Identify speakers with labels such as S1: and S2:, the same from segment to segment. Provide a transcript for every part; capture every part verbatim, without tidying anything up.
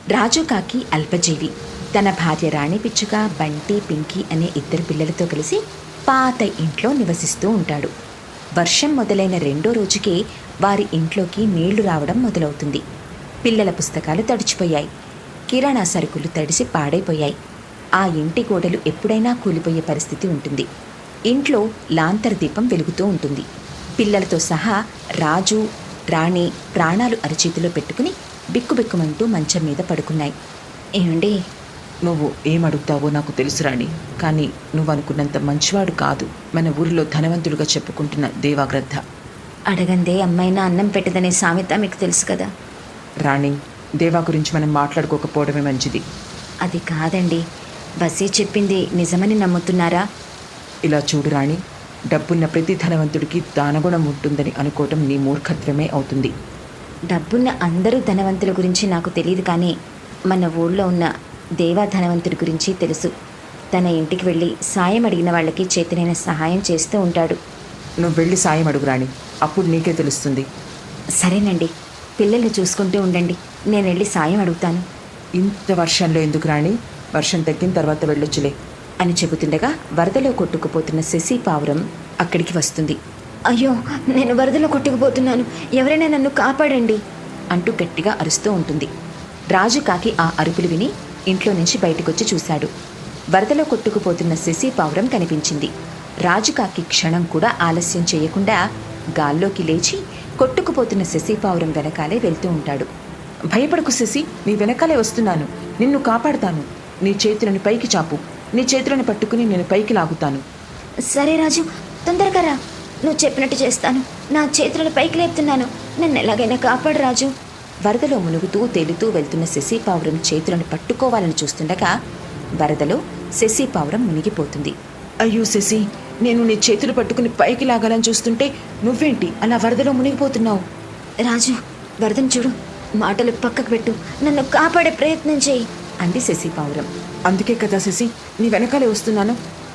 S1: రాజు కాకి అల్పజీవి తన భార్య రాణి పిచ్చుక, బంటి, పింకీ అనే ఇద్దరు పిల్లలతో కలిసి పాత ఇంట్లో నివసిస్తూ ఉంటాడు. వర్షం మొదలైన రెండో రోజుకే వారి ఇంట్లోకి నీళ్లు రావడం మొదలవుతుంది. పిల్లల పుస్తకాలు తడిచిపోయాయి. కిరాణా సరుకులు తడిసి పాడైపోయాయి. ఆ ఇంటి గోడలు ఎప్పుడైనా కూలిపోయే పరిస్థితి ఉంటుంది. ఇంట్లో లాంతర్ దీపం వెలుగుతూ ఉంటుంది. పిల్లలతో సహా రాజు, రాణి ప్రాణాలు అరచేతిలో పెట్టుకుని బిక్కుబిక్కుమంటూ మంచం మీద పడుకున్నాయి. ఏమండి,
S2: నువ్వు ఏమడుగుతావో నాకు తెలుసు రాణి, కానీ నువ్వు అనుకున్నంత మంచివాడు కాదు. మన ఊరిలో ధనవంతుడుగా చెప్పుకుంటున్న దేవాగ్రద్ద.
S1: అడగందే అమ్మైనా అన్నం పెట్టదనే సామెత మీకు తెలుసు కదా.
S2: రాణి, దేవా గురించి మనం మాట్లాడుకోకపోవడమే మంచిది.
S1: అది కాదండి, బస్సీ చెప్పింది నిజమని నమ్ముతున్నారా?
S2: ఇలా చూడు రాణి, డబ్బున్న ప్రతి ధనవంతుడికి దానగుణం ఉంటుందని అనుకోవటం నీ మూర్ఖత్వమే అవుతుంది.
S1: డబ్బున్న అందరూ ధనవంతుల గురించి నాకు తెలియదు, కానీ మన ఊళ్ళో ఉన్న దేవా ధనవంతుడి గురించి తెలుసు. తన ఇంటికి వెళ్ళి సాయం అడిగిన వాళ్ళకి చేతనైన సహాయం చేస్తూ ఉంటాడు.
S2: నువ్వు వెళ్ళి సాయం అడుగు రాణి, అప్పుడు నీకే తెలుస్తుంది.
S1: సరేనండి, పిల్లల్ని చూసుకుంటూ ఉండండి, నేను వెళ్ళి సాయం అడుగుతాను.
S2: ఇంత వర్షంలో ఎందుకు రాణి? వర్షం తగ్గిన తర్వాత వెళ్ళొచ్చులే
S1: అని చెబుతుండగా వరదలో కొట్టుకుపోతున్న శశి పావురం అక్కడికి వస్తుంది. అయ్యో, నేను వరదలో కొట్టుకుపోతున్నాను, ఎవరైనా నన్ను కాపాడండి అంటూ గట్టిగా అరుస్తూ ఉంటుంది. రాజు కాకి ఆ అరుపులు విని ఇంట్లో నుంచి బయటకొచ్చి చూశాడు. వరదలో కొట్టుకుపోతున్న శశి పావురం కనిపించింది. రాజు కాకి క్షణం కూడా ఆలస్యం చేయకుండా గాల్లోకి లేచి కొట్టుకుపోతున్న శశి పావురం వెనకాలే వెళ్తూ ఉంటాడు.
S2: భయపడకు శశి, నీ వెనకాలే వస్తున్నాను, నిన్ను కాపాడుతాను. నీ చేతులను పైకి చాపు, నీ చేతులను పట్టుకుని నేను పైకి లాగుతాను.
S1: సరే రాజు, తొందరగా రా, నువ్వు చెప్పినట్టు చేస్తాను. నా చేతులను పైకి లేపుతున్నాను, నన్ను ఎలాగైనా కాపాడు రాజు. వరదలో మునుగుతూ తేలుతూ వెళ్తున్న శశి పావురం చేతులను పట్టుకోవాలని చూస్తుండగా వరదలో శశి పావురం మునిగిపోతుంది.
S2: అయ్యో శశి, నేను నీ చేతులు పట్టుకుని పైకి లాగాలని చూస్తుంటే నువ్వేంటి అలా వరదలో మునిగిపోతున్నావు?
S1: రాజు, వరదను చూడు, మాటలు పక్కకు పెట్టు, నన్ను కాపాడే ప్రయత్నం చేయి అంది శశి పావురం.
S2: అందుకే కదా శశి, నీ వెనకాలే వస్తున్నాను.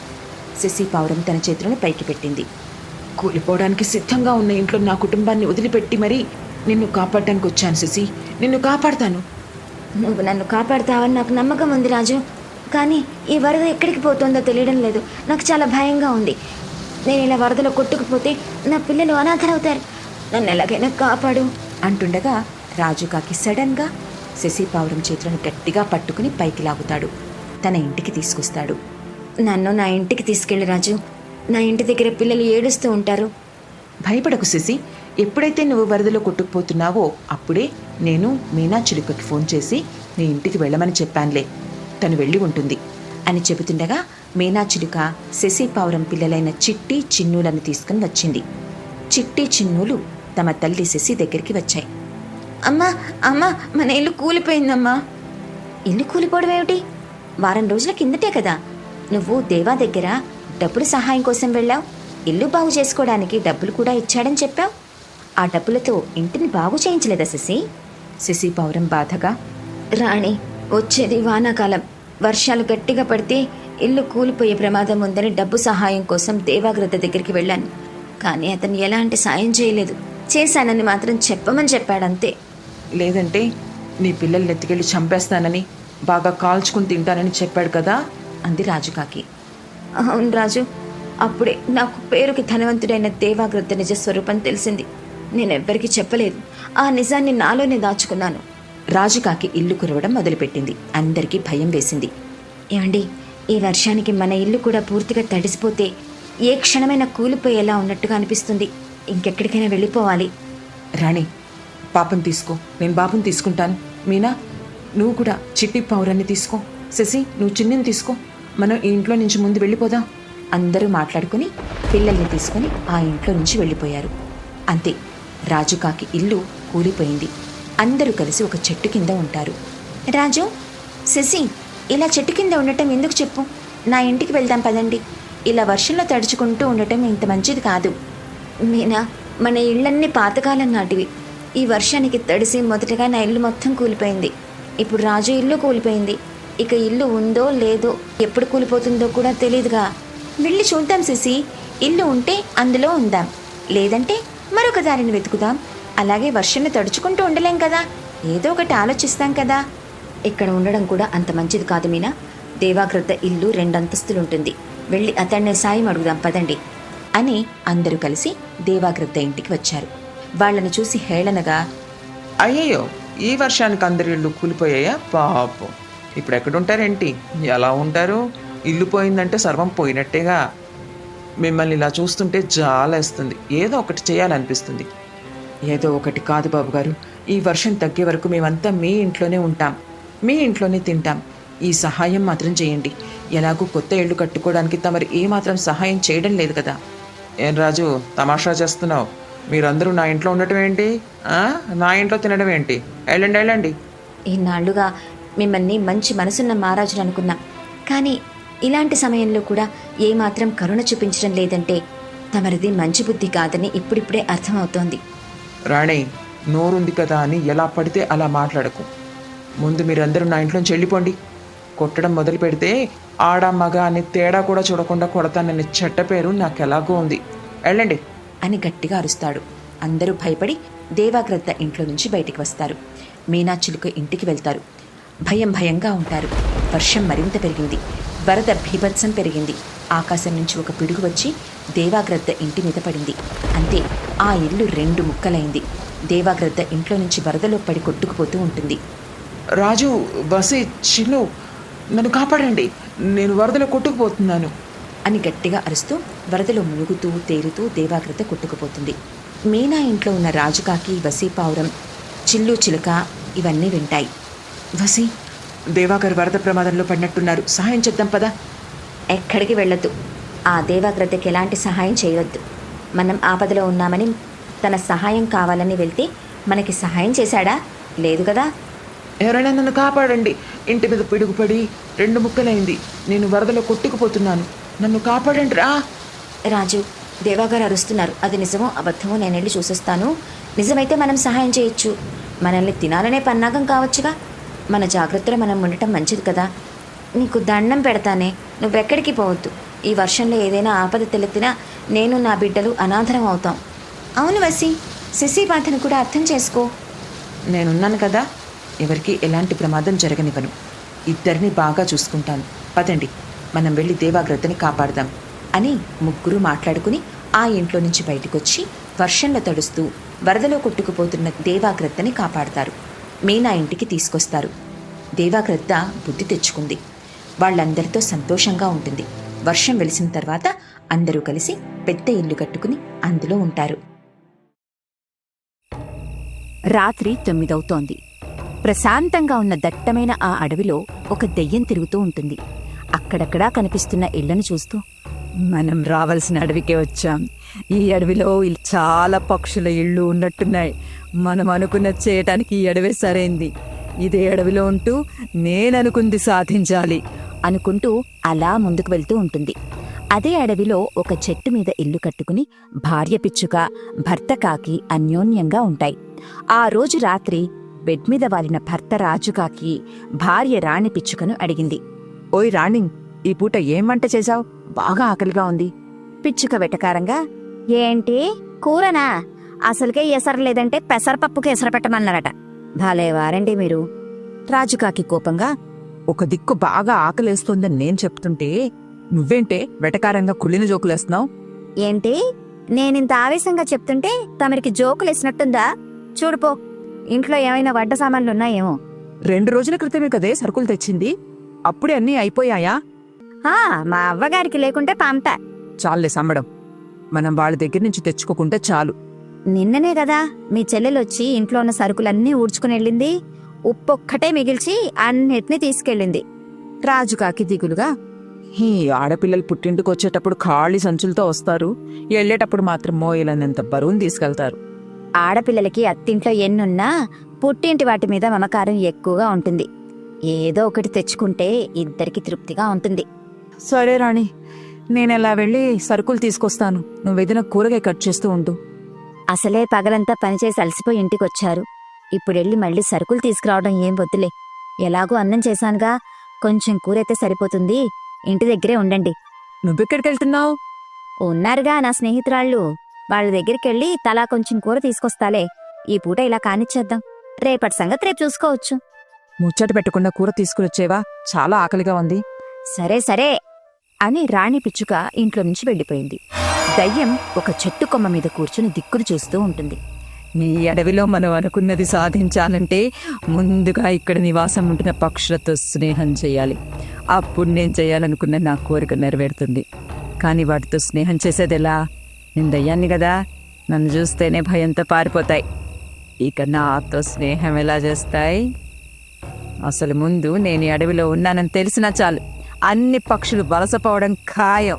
S1: శశి పావురం తన చేతులను పైకి పెట్టింది.
S2: కూలిపోవడానికి సిద్ధంగా ఉన్న ఇంట్లో నా కుటుంబాన్ని వదిలిపెట్టి మరీ నిన్ను కాపాడటానికి వచ్చాను శశి, నిన్ను కాపాడతాను.
S1: నువ్వు నన్ను కాపాడుతావని నాకు నమ్మకం ఉంది రాజు, కానీ ఈ వరద ఎక్కడికి పోతుందో తెలియడం లేదు. నాకు చాలా భయంగా ఉంది. నేను ఇలా వరదలో కొట్టుకుపోతే నా పిల్లలు అనాథరవుతారు, నన్ను ఎలాగైనా కాపాడు అంటుండగా రాజు కాకి సడన్గా శశి పావురం చేతులను గట్టిగా పట్టుకుని పైకి లాగుతాడు. తన ఇంటికి తీసుకొస్తాడు. నన్ను నా ఇంటికి తీసుకెళ్ళి రాజు, నా ఇంటి దగ్గర పిల్లలు ఏడుస్తూ ఉంటారు.
S2: భయపడకు శశి, ఎప్పుడైతే నువ్వు వరదలో కొట్టుకుపోతున్నావో అప్పుడే నేను మీనా చిలుకకి ఫోన్ చేసి నీ ఇంటికి వెళ్ళమని చెప్పానులే, తను వెళ్ళి ఉంటుంది
S1: అని చెబుతుండగా మీనా చిలుక శశి పావురం పిల్లలైన చిట్టి, చిన్నులను తీసుకుని వచ్చింది. చిట్టి, చిన్నులు తమ తల్లి శశి దగ్గరికి వచ్చాయి. అమ్మా అమ్మా, మన ఇల్లు కూలిపోయిందమ్మా. ఇల్లు కూలిపోవడం ఏమిటి? వారం రోజుల కిందటే కదా నువ్వు దేవా దగ్గర డబ్బులు సహాయం కోసం వెళ్ళావు. ఇల్లు బాగు చేసుకోవడానికి డబ్బులు కూడా ఇచ్చాడని చెప్పావు. ఆ డబ్బులతో ఇంటిని బాగు చేయించలేదా శశి? శశి పావురం బాధగా. రాణి, వచ్చేది వానాకాలం, వర్షాలు గట్టిగా పడితే ఇల్లు కూలిపోయే ప్రమాదం ఉందని డబ్బు సహాయం కోసం దేవాగ్రద్ద దగ్గరికి వెళ్ళాను, కానీ అతను ఎలాంటి సాయం చేయలేదు. చేశానని మాత్రం చెప్పమని చెప్పాడంతే.
S2: లేదంటే నీ పిల్లల్ని ఎత్తుకెళ్ళి చంపేస్తానని, బాగా కాల్చుకుని తింటానని చెప్పాడు కదా
S1: అంది రాజుకాకి. అవును రాజు, అప్పుడే నాకు పేరుకి ధనవంతుడైన దేవాగ్రద్ద నిజ స్వరూపం తెలిసింది. నేనెవ్వరికీ చెప్పలేదు, ఆ నిజాన్ని నాలోనే దాచుకున్నాను. రాజుకాకి ఇల్లు కురవడం మొదలుపెట్టింది. అందరికీ భయం వేసింది. ఏమండి, ఈ వర్షానికి మన ఇల్లు కూడా పూర్తిగా తడిసిపోతే ఏ క్షణమైనా కూలిపోయేలా ఉన్నట్టుగా అనిపిస్తుంది. ఇంకెక్కడికైనా వెళ్ళిపోవాలి.
S2: రాణి, పాపం తీసుకో, నేను బాబుని తీసుకుంటాను. మీనా, నువ్వు కూడా చిట్టి పావురాన్ని తీసుకో. శశి, నువ్వు చిన్నిని తీసుకో. మనం ఈ ఇంట్లో నుంచి ముందు వెళ్ళిపోదాం. అందరూ మాట్లాడుకుని పిల్లల్ని తీసుకుని ఆ ఇంట్లో నుంచి వెళ్ళిపోయారు. అంతే, రాజుకాకి ఇల్లు కూలిపోయింది. అందరూ కలిసి ఒక చెట్టు కింద ఉంటారు. రాజు, శశి, ఇలా చెట్టు కింద ఉండటం ఎందుకు చెప్పు? నా ఇంటికి వెళ్దాం పదండి. ఇలా వర్షంలో తడుచుకుంటూ ఉండటం ఇంత మంచిది కాదు. మీనా, మన ఇళ్ళన్నీ పాతకాలం నాటివి. ఈ వర్షానికి తడిసి మొదటగా నా ఇల్లు మొత్తం కూలిపోయింది. ఇప్పుడు రాజు ఇల్లు కూలిపోయింది. ఇక ఇల్లు ఉందో లేదో, ఎప్పుడు కూలిపోతుందో కూడా తెలియదుగా. వెళ్ళి చూద్దాం శశి. ఇల్లు ఉంటే అందులో ఉందాం, లేదంటే మరొక దారిని వెతుకుదాం. అలాగే వర్షంలో తడుచుకుంటూ ఉండలేం కదా, ఏదో ఒకటి ఆలోచిస్తాం కదా
S1: ఇక్కడ ఉండడం కూడా అంత మంచిది కాదు మీనా. దేవాగ్రద్ద ఇల్లు రెండంతస్తులుంటుంది. వెళ్ళి అతన్నే సాయం అడుగుదాం పదండి అని అందరూ కలిసి దేవాగ్రద్ద ఇంటికి వచ్చారు. వాళ్ళని చూసి హేళనగా,
S2: అయ్యయ్యో, ఈ వర్షానికి అందరి ఇళ్ళు కూలిపోయాయా? పాపం, ఇప్పుడు ఎక్కడుంటారేంటి? ఎలా ఉంటారు? ఇల్లు పోయిందంటే సర్వం పోయినట్టేగా. మిమ్మల్ని ఇలా చూస్తుంటే జాలేస్తుంది. ఏదో ఒకటి చేయాలనిపిస్తుంది. ఏదో ఒకటి కాదు బాబుగారు, ఈ వర్షం తగ్గే వరకు మేమంతా మీ ఇంట్లోనే ఉంటాం, మీ ఇంట్లోనే తింటాం. ఈ సహాయం మాత్రం చేయండి. ఎలాగూ కొత్త ఇళ్ళు కట్టుకోవడానికి తమరు ఏమాత్రం సహాయం చేయడం లేదు కదా. ఏం రాజు, తమాషా చేస్తున్నావు? మీరందరూ నా ఇంట్లో ఉండటం ఏంటి? నా ఇంట్లో తినడం ఏంటి? వెళ్ళండి వెళ్ళండి.
S1: ఇన్నాళ్లుగా మిమ్మల్ని మంచి మనసున్న మహారాజులు అనుకున్నాం, కానీ ఇలాంటి సమయంలో కూడా ఏమాత్రం కరుణ చూపించడం లేదంటే తమరిది మంచి బుద్ధి కాదని ఇప్పుడిప్పుడే అర్థమవుతోంది.
S2: రాణి, నోరుంది కదా అని ఎలా పడితే అలా మాట్లాడకు. ముందు మీరందరూ నా ఇంట్లోంచి వెళ్ళిపోండి. కొట్టడం మొదలు పెడితే ఆడ మగ అని తేడా కూడా చూడకుండా కొడతానని చెడ్డ పేరు నాకెలాగో ఉంది. వెళ్ళండి
S1: అని గట్టిగా అరుస్తాడు. అందరూ భయపడి దేవాగ్రద్ద ఇంట్లో నుంచి బయటికి వస్తారు. మీనాచిలుక ఇంటికి వెళ్తారు. భయం భయంగా ఉంటారు. వర్షం మరింత పెరిగింది. వరద భీభత్సం పెరిగింది. ఆకాశం నుంచి ఒక పిడుగు వచ్చి దేవాగ్రద్ద ఇంటి మీద పడింది. అంతే, ఆ ఇల్లు రెండు ముక్కలైంది. దేవాగ్రద్ద ఇంట్లో నుంచి వరదలో పడి కొట్టుకుపోతూ ఉంటుంది.
S2: రాజు, బసి, చిన్ను, నన్ను కాపాడండి, నేను వరదలో కొట్టుకుపోతున్నాను
S1: అని గట్టిగా అరుస్తూ వరదలో మునుగుతూ తేలుతూ దేవాగ్రద్ద కొట్టుకుపోతుంది. మీనా ఇంట్లో ఉన్న రాజుకాకి, వసీపావురం, చిల్లు చిలుక ఇవన్నీ వింటాయి.
S2: వసి, దేవాగారు వరద ప్రమాదంలో పడినట్టున్నారు, సహాయం చేద్దాం పదా.
S1: ఎక్కడికి వెళ్ళొద్దు. ఆ దేవాగ్రద్దకి ఎలాంటి సహాయం చేయవద్దు. మనం ఆపదలో ఉన్నామని తన సహాయం కావాలని వెళ్తే మనకి సహాయం చేశాడా? లేదు కదా.
S2: ఎవరైనా నన్ను కాపాడండి, ఇంటి మీద పిడుగుపడి రెండు ముక్కలైంది, నేను వరదలో కొట్టుకుపోతున్నాను, నన్ను కాపాడండి రా.
S1: రాజు, దేవాగారు అరుస్తున్నారు, అది నిజమో అబద్ధమో నేను వెళ్ళి చూసొస్తాను. నిజమైతే మనం సహాయం చేయొచ్చు. మనల్ని తినాలనే పన్నాగం కావచ్చుగా. మన జాగ్రత్తలో మనం ఉండటం మంచిది కదా. నీకు దండం పెడతానే, నువ్వెక్కడికి పోవద్దు. ఈ వర్షంలో ఏదైనా ఆపద తెలిపినా నేను నా బిడ్డలు అనాథరం అవుతాం. అవును వసి, శశి బాధను కూడా అర్థం చేసుకో.
S2: నేనున్నాను కదా, ఎవరికి ఎలాంటి ప్రమాదం జరగనివ్వను. ఇద్దరిని బాగా చూసుకుంటాను. పదండి, మనం వెళ్ళి దేవాగ్రద్దని కాపాడదాం అని ముగ్గురు మాట్లాడుకుని ఆ ఇంట్లో నుంచి బయటకొచ్చి వర్షంలో తడుస్తూ వరదలో కొట్టుకుపోతున్న దేవాగ్రద్దని కాపాడతారు. మీనా ఇంటికి తీసుకొస్తారు. దేవాగ్రద్ద బుద్ధి తెచ్చుకుంది. వాళ్ళందరితో సంతోషంగా ఉంటుంది. వర్షం వెలిసిన తర్వాత అందరూ కలిసి పెద్ద ఇల్లు కట్టుకుని అందులో ఉంటారు.
S3: రాత్రి తొమ్మిదవుతోంది. ప్రశాంతంగా ఉన్న దట్టమైన ఆ అడవిలో ఒక దెయ్యం తిరుగుతూ ఉంటుంది. అక్కడక్కడా కనిపిస్తున్న ఇళ్లను చూస్తూ, మనం రావాల్సిన అడవికే వచ్చాం. ఈ అడవిలో చాలా పక్షుల ఇళ్ళు ఉన్నట్టున్నాయి. మనం అనుకున్నది చేయటానికి ఈ అడవే సరైంది. ఇదే అడవిలో ఉంటూ నేననుకుంది సాధించాలి అనుకుంటూ అలా ముందుకు వెళ్తూ ఉంటుంది. అదే అడవిలో ఒక చెట్టు మీద ఇల్లు కట్టుకుని భార్య పిచ్చుక, భర్త కాకి అన్యోన్యంగా ఉంటాయి. ఆ రోజు రాత్రి బెడ్ మీద వాలిన భర్త రాజుకాకి భార్య రాణి పిచ్చుకను అడిగింది.
S4: ఓయ్ రాణి, ఈ పూట ఏం వంట చేశావు? బాగా ఆకలిగా ఉంది.
S3: పిచ్చుక వెటకారంగా, ఏంటి కూరనా? అసలుకే ఎసరు లేదంటే పెసరపప్పుకి ఎసరు పెట్టమన్నారట. భలేవారండి మీరు. రాజుకాకి కోపంగా,
S4: ఒక దిక్కు బాగా ఆకలేస్తోందని నేను చెప్తుంటే నువ్వేంటే వెటకారంగా కుళ్ళిన జోకులేస్తున్నావు?
S3: ఏంటి నేనింత ఆవేశంగా చెప్తుంటే తమరికి జోకులేసినట్టుందా? చూడుపో, ఇంట్లో ఏమైనా వడ్డ సామాన్లున్నాయేమో.
S4: రెండు రోజుల క్రితమే కదే సరుకులు తెచ్చింది, అప్పుడే అన్నీ అయిపోయాయా?
S3: ఆ మా అవ్వగారికి లేకుంటే పంపా.
S4: చాలులే సమ్మడం, మనం వాళ్ళ దగ్గర నుంచి తెచ్చుకోకుంటే చాలు.
S3: నిన్ననే కదా మీ చెల్లెలొచ్చి ఇంట్లో ఉన్న సరుకులన్నీ ఊడ్చుకుని వెళ్ళింది. ఉప్పొక్కటే మిగిల్చి అన్నిటినీ తీసుకెళ్ళింది.
S4: రాజుకాకి దిగులుగా, ఈ ఆడపిల్లలు పుట్టింటికి వచ్చేటప్పుడు ఖాళీ సంచులతో వస్తారు, వెళ్ళేటప్పుడు మాత్రం మోయలనంత బరువును తీసుకెళ్తారు.
S3: ఆడపిల్లలకి అత్తింట్లో ఎన్నున్నా పుట్టింటి వాటి మీద మమకారం ఎక్కువగా ఉంటుంది. ఏదో ఒకటి తెచ్చుకుంటే ఇద్దరికి తృప్తిగా ఉంటుంది.
S4: సరే రాణి, నేనెలా వెళ్ళి సరుకులు తీసుకొస్తాను, నువ్వేదైనా కూరగాయ కట్ చేస్తూ ఉండు.
S3: అసలే పగలంతా పనిచేసి అలసిపోయి ఇంటికొచ్చారు. ఇప్పుడెళ్ళి మళ్ళీ సరుకులు తీసుకురావడం ఏం వద్దులే. ఎలాగూ అన్నం చేశానుగా, కొంచెం కూరైతే సరిపోతుంది. ఇంటి దగ్గరే ఉండండి.
S4: నువ్వెక్కడికి వెళ్తున్నావు?
S3: ఉన్నారుగా నా స్నేహితురాళ్ళు, వాళ్ళ దగ్గరికెళ్ళి తలా కొంచెం కూర తీసుకొస్తాలే. ఈ పూట ఇలా కానిచ్చేద్దాం, రేపటి సంగతి రేపు చూసుకోవచ్చు.
S4: ముచ్చట పెట్టకుండా కూర తీసుకురొచ్చేవా? చాలా ఆకలిగా ఉంది.
S3: సరే సరే అని రాణి పిచ్చుక ఇంట్లో నుంచి వెళ్ళిపోయింది. దయ్యం ఒక చెట్టు కొమ్మ మీద కూర్చుని దిక్కులు చూస్తూ ఉంటుంది.
S4: ఈ అడవిలో మనం అనుకున్నది సాధించాలంటే ముందుగా ఇక్కడ నివాసం ఉంటున్న పక్షులతో స్నేహం చేయాలి. అప్పుడు నేను చేయాలనుకున్న నా కోరిక నెరవేరుతుంది. కానీ వాటితో స్నేహం చేసేది ఎలా? నేను దయ్యాన్ని కదా, నన్ను చూస్తేనే భయంతో పారిపోతాయి. ఇక నాతో స్నేహం ఎలా చేస్తాయి? అసలు ముందు నేను ఈ అడవిలో ఉన్నానని తెలిసినా చాలు, అన్ని పక్షులు వలసపోవడం ఖాయం.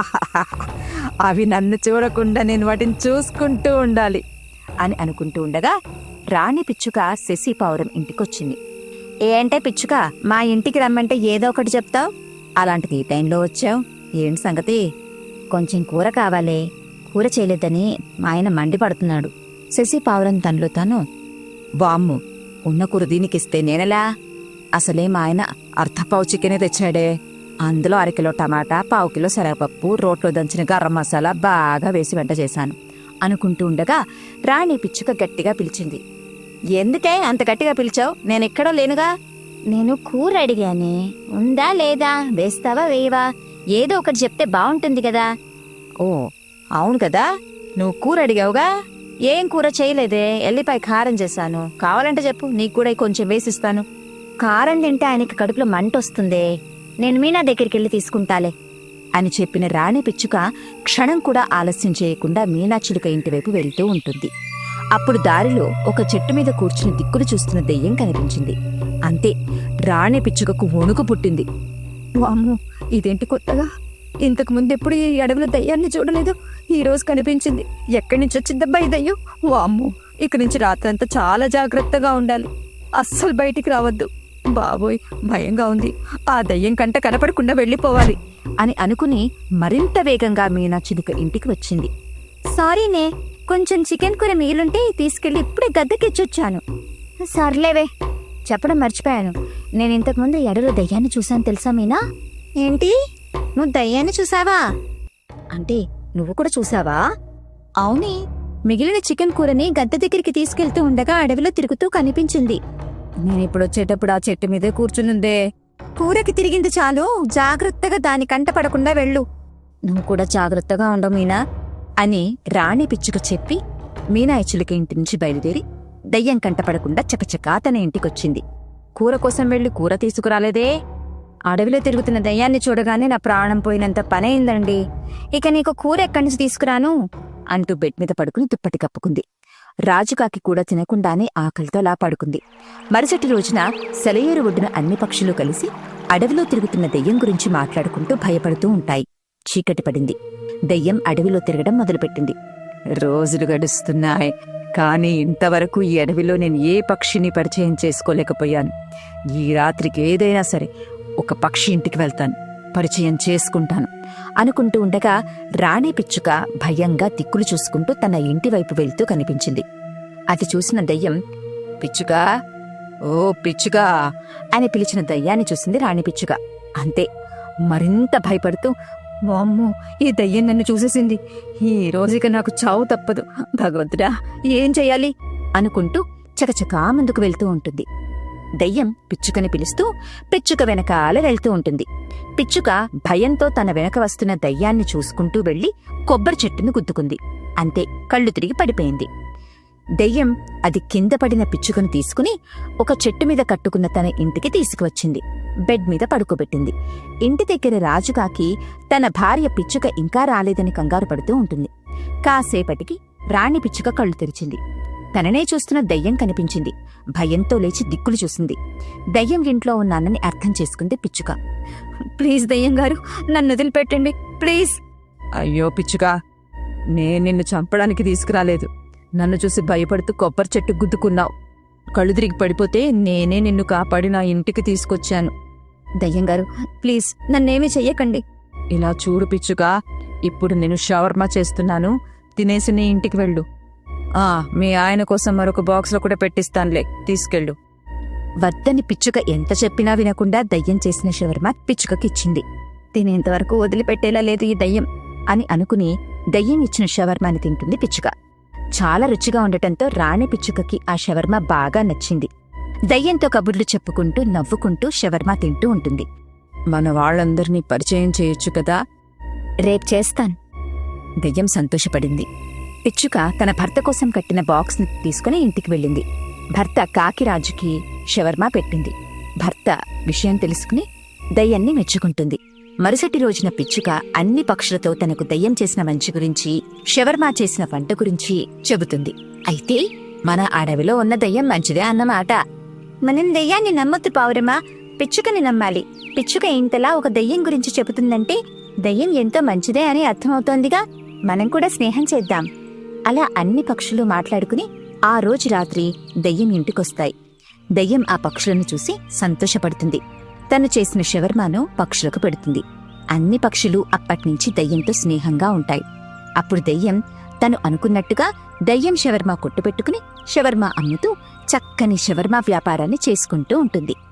S4: అవి నన్ను చూడకుండా నేను వాటిని చూసుకుంటూ ఉండాలి
S3: అని అనుకుంటూ ఉండగా రాణి పిచ్చుక శశి పావురం ఇంటికొచ్చింది. ఏంటే పిచ్చుక, మా ఇంటికి రమ్మంటే ఏదో ఒకటి చెప్తావు, అలాంటిది ఈ టైంలో వచ్చావు, ఏంటి సంగతి? కొంచెం కూర కావాలే, కూర చేయలేదని మా ఆయన మండిపడుతున్నాడు. శశి పావురం తనలో తాను, బామ్ము ఉన్న కూర దీనికిస్తే నేనెలా? అసలే మా ఆయన అర్ధపావు చికెనే తెచ్చాడే, అందులో అరకిలో టమాటా, పావు కిలో శనగపప్పు, రోట్లో దంచిన గరం మసాలా బాగా వేసి వంట చేశాను అనుకుంటూ ఉండగా రాణి పిచ్చుక గట్టిగా పిలిచింది. ఎందుకే అంత గట్టిగా పిలిచావు? నేనెక్కడో లేనుగా. నేను కూర అడిగానే, ఉందా లేదా, వేస్తావా వేయవా, ఏదో ఒకటి చెప్తే బాగుంటుంది కదా. ఓ అవును కదా, నువ్వు కూర అడిగావుగా. ఏం కూర చేయలేదే, ఎల్లిపాయ కారం చేశాను, కావాలంటే చెప్పు, నీకు కూడా కొంచెం వేసిస్తాను. కారం తింటే ఆయనకి కడుపులో మంట వస్తుందే, నేను మీనా దగ్గరికి వెళ్ళి తీసుకుంటాలే అని చెప్పిన రాణి పిచ్చుక క్షణం కూడా ఆలస్యం చేయకుండా మీనాచిలుక ఇంటివైపు వెళ్తూ ఉంటుంది. అప్పుడు దారిలో ఒక చెట్టు మీద కూర్చుని దిక్కులు చూస్తున్న దెయ్యం కనిపించింది. అంతే, రాణి పిచ్చుకకు వణుకు పుట్టింది. వామ్మో, ఇదేంటి కొత్తగా, ఇంతకు ముందు ఎప్పుడు ఈ అడవిలో దయ్యాన్ని చూడలేదు, ఈ రోజు కనిపించింది. ఎక్కడి నుంచి వచ్చిందబ్బా ఈ దయ్యం? వామ్మో, ఇక నుంచి రాత్రంతా చాలా జాగ్రత్తగా ఉండాలి, అస్సలు బయటికి రావద్దు. బాబోయ్, భయంగా ఉంది, ఆ దయ్యం కంట కనపడకుండా వెళ్ళిపోవాలి అని అనుకుని మరింత వేగంగా మీనాచిలుక ఇంటికి వచ్చింది. సారీనే, కొంచెం చికెన్ కూర మీలుంటే తీసుకెళ్లి ఇప్పుడే గద్దెకిచ్చొచ్చాను. సర్లేవే, చెప్పడం మర్చిపోయాను, నేను ఇంతకుముందు ఎడలో దయ్యాన్ని చూశాను తెలుసా మీనా? ఏంటి, నువ్వు దయ్యాన్ని చూసావా? అంటే నువ్వు కూడా చూసావా? అవునే, మిగిలిన చికెన్ కూరని గద్దె దగ్గరికి తీసుకెళ్తూ ఉండగా అడవిలో తిరుగుతూ కనిపించింది. నేనిప్పుడు వచ్చేటప్పుడు ఆ చెట్టు మీదే కూర్చునుందే. కూరకి తిరిగింది చాలు, జాగ్రత్తగా దాని కంట పడకుండా వెళ్ళు. నువ్వు కూడా జాగ్రత్తగా ఉండవు మీనా అని రాణి పిచ్చుక చెప్పి మీనాయచులకి ఇంటి నుంచి బయలుదేరి దయ్యం కంట పడకుండా చకచకా తన ఇంటికొచ్చింది. కూర కోసం వెళ్లి కూర తీసుకురాలేదే? అడవిలో తిరుగుతున్న దయ్యాన్ని చూడగానే నా ప్రాణం పోయినంత పనైందండి, ఇక నీకు కూర ఎక్కడి నుంచి తీసుకురాను అంటూ బెడ్ మీద పడుకుని దుప్పటి కప్పుకుంది. రాజుకాకి కూడా తినకుండానే ఆకలితో అలా పడుకుంది. మరుసటి రోజున సెలయేరు ఒడ్డున అన్ని పక్షులు కలిసి అడవిలో తిరుగుతున్న దెయ్యం గురించి మాట్లాడుకుంటూ భయపడుతూ ఉంటాయి. చీకటి పడింది. దెయ్యం అడవిలో తిరగడం మొదలుపెట్టింది.
S4: రోజులు గడుస్తున్నాయి, కానీ ఇంతవరకు ఈ అడవిలో నేను ఏ పక్షిని పరిచయం చేసుకోలేకపోయాను. ఈ రాత్రికి ఏదైనా సరే ఒక పక్షి ఇంటికి వెళ్తాను, పరిచయం చేసుకుంటాను
S3: అనుకుంటూ ఉండగా రాణి పిచ్చుక భయంగా దిక్కులు చూసుకుంటూ తన ఇంటి వైపు వెళ్తూ కనిపించింది. అది చూసిన దయ్యం, పిచ్చుకా, ఓ పిచ్చుకా అని పిలిచిన దయ్యాన్ని చూసింది రాణి పిచ్చుక. అంతే, మరింత భయపడుతూ, వామ్మో, ఈ దయ్యం నన్ను చూసేసింది, ఈ రోజుక నాకు చావు తప్పదు, భగవంతుడా ఏం చెయ్యాలి అనుకుంటూ చకచకా ముందుకు వెళ్తూ ఉంటుంది. దయ్యం పిచ్చుకని పిలుస్తూ పిచ్చుక వెనకాల వెళ్తూ ఉంటుంది. పిచ్చుక భయంతో తన వెనక వస్తున్న దయ్యాన్ని చూసుకుంటూ వెళ్లి కొబ్బరి చెట్టును గుద్దుకుంది. అంతే, కళ్ళు తిరిగి పడిపోయింది. దెయ్యం అది కింద పడిన పిచ్చుకను తీసుకుని ఒక చెట్టు మీద కట్టుకున్న తన ఇంటికి తీసుకువచ్చింది. బెడ్ మీద పడుకోబెట్టింది. ఇంటి దగ్గర రాజుకాకి తన భార్య పిచ్చుక ఇంకా రాలేదని కంగారు పడుతూ ఉంటుంది. కాసేపటికి రాణి పిచ్చుక కళ్ళు తెరిచింది. తననే చూస్తున్న దయ్యం కనిపించింది. భయంతో లేచి దిక్కులు చూసింది. దయ్యం ఇంట్లో ఉన్నానని అర్థం చేసుకుంది పిచ్చుక. ప్లీజ్ దయ్యం గారు, నన్ను వదిలిపెట్టండి ప్లీజ్.
S4: అయ్యో పిచ్చుకా, నేను నిన్ను చంపడానికి తీసుకురాలేదు. నన్ను చూసి భయపడుతూ కొబ్బరి చెట్టు గుద్దుకున్నావు. కళ్ళు తిరిగి పడిపోతే నేనే నిన్ను కాపాడి నా ఇంటికి తీసుకొచ్చాను.
S3: దయ్యం గారు, ప్లీజ్ నన్నేమీ చెయ్యకండి.
S4: ఇలా చూడు పిచ్చుకా, ఇప్పుడు నేను షవర్మా చేస్తున్నాను, తినేసి నీ ఇంటికి వెళ్ళు. ఆ మీ ఆయన కోసం మరొక బాక్స్లో కూడా పెట్టిస్తానులే, తీసుకెళ్ళు.
S3: వద్దని పిచ్చుక ఎంత చెప్పినా వినకుండా దయ్యం చేసిన షవర్మా పిచ్చుకకిచ్చింది. తినేంతవరకు వదిలిపెట్టేలా లేదు ఈ దయ్యం అని అనుకుని దయ్యం ఇచ్చిన షవర్మాని తింటుంది పిచ్చుక. చాలా రుచిగా ఉండటంతో రాణి పిచ్చుకకి ఆ షవర్మా బాగా నచ్చింది. దయ్యంతో కబుర్లు చెప్పుకుంటూ నవ్వుకుంటూ షవర్మా తింటూ ఉంటుంది.
S4: మన వాళ్ళందరినీ పరిచయం చేయొచ్చు కదా.
S3: రేపు చేస్తాను. దయ్యం సంతోషపడింది. పిచ్చుక తన భర్త కోసం కట్టిన బాక్స్ని తీసుకుని ఇంటికి వెళ్ళింది. భర్త కాకిరాజుకి షవర్మా పెట్టింది. భర్త విషయం తెలుసుకుని దయ్యాన్ని మెచ్చుకుంటుంది. మరుసటి రోజున పిచ్చుక అన్ని పక్షులతో తనకు దయ్యం చేసిన మంచి గురించి, షవర్మా చేసిన వంట గురించి చెబుతుంది. అయితే మన అడవిలో ఉన్న దయ్యం మంచిదే అన్నమాట. మనం దయ్యాన్ని నమ్మొద్దు పావురమా, పిచ్చుకని నమ్మాలి. పిచ్చుక ఇంతలా ఒక దయ్యం గురించి చెబుతుందంటే దయ్యం ఎంతో మంచిదే అని అర్థమవుతోందిగా. మనం కూడా స్నేహం చేద్దాం. అలా అన్ని పక్షులు మాట్లాడుకుని ఆ రోజు రాత్రి దయ్యం ఇంటికొస్తాయి. దయ్యం ఆ పక్షులను చూసి సంతోషపడుతుంది. తను చేసిన షవర్మాను పక్షులకు పెడుతుంది. అన్ని పక్షులు అప్పట్నుంచి దయ్యంతో స్నేహంగా ఉంటాయి. అప్పుడు దయ్యం తను అనుకున్నట్టుగా దయ్యం షవర్మా కొట్టు పెట్టుకుని షవర్మా అమ్ముతూ చక్కని షవర్మా వ్యాపారాన్ని చేసుకుంటూ ఉంటుంది.